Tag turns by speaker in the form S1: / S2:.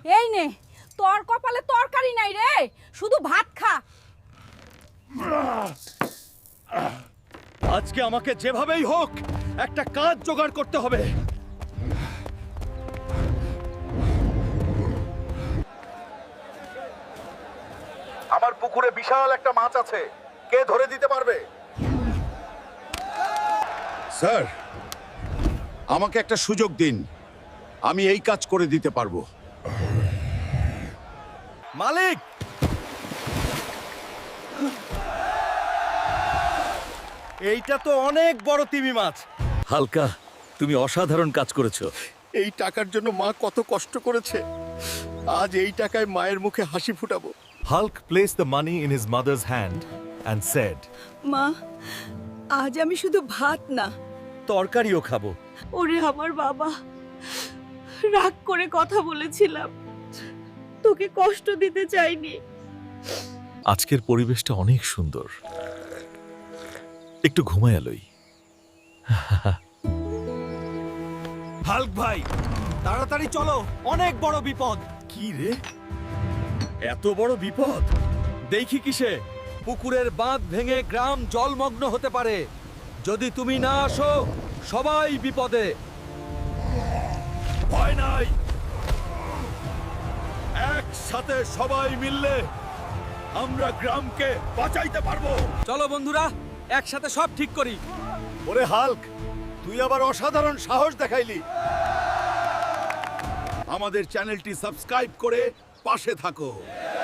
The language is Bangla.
S1: এই নে, তোর কপালে তরকারি নাই রে, শুধু ভাত খা।
S2: আজকে আমাকে যেভাবেই হোক একটা কাজ জোগাড় করতে হবে।
S3: আমার পুকুরে বিশাল একটা মাছ আছে, কে ধরে দিতে পারবে?
S4: স্যার, আমাকে একটা সুযোগ দিন, আমি এই কাজ করে দিতে পারবো।
S2: মালিক, এইটা তো অনেক বড় তিমি মাছ। হালকা, তুমি অসাধারণ কাজ করেছো।
S4: এই টাকার জন্য মা কত কষ্ট করেছে, আজ এই টাকায় মায়ের মুখে হাসি ফুটাবো।
S5: Hulk placed the money in his mother's hand and said,
S1: মা, আজ আমি শুধু ভাত না,
S2: তরকারিও খাবো।
S1: ওরে আমার বাবা, রাগ করে কথা বলেছিলাম, তোকে কষ্ট দিতে চাইনি।
S5: আজকের পরিবেশটা অনেক সুন্দর, একটু ঘুমায় লই।
S2: হাল্ক ভাই, তাড়াতাড়ি চলো, অনেক বড় বিপদ।
S5: কি রে?
S2: এত বড় বিপদ দেখি কিসে? পুকুরের বাঁধ ভেঙে গ্রাম জলমগ্ন হতে পারে। যদি তুমি না আসো, সবাই বিপদে। ভয় নাই, একসাথে সবাই মিললে আমরা গ্রামকে বাঁচাইতে পারবো। চলো বন্ধুরা, একসাথে সব ঠিক করি।
S4: ওরে হাল্ক, তুই আবার অসাধারণ সাহস দেখাইলি। আমাদের চ্যানেলটি সাবস্ক্রাইব করে পাশে থাকো।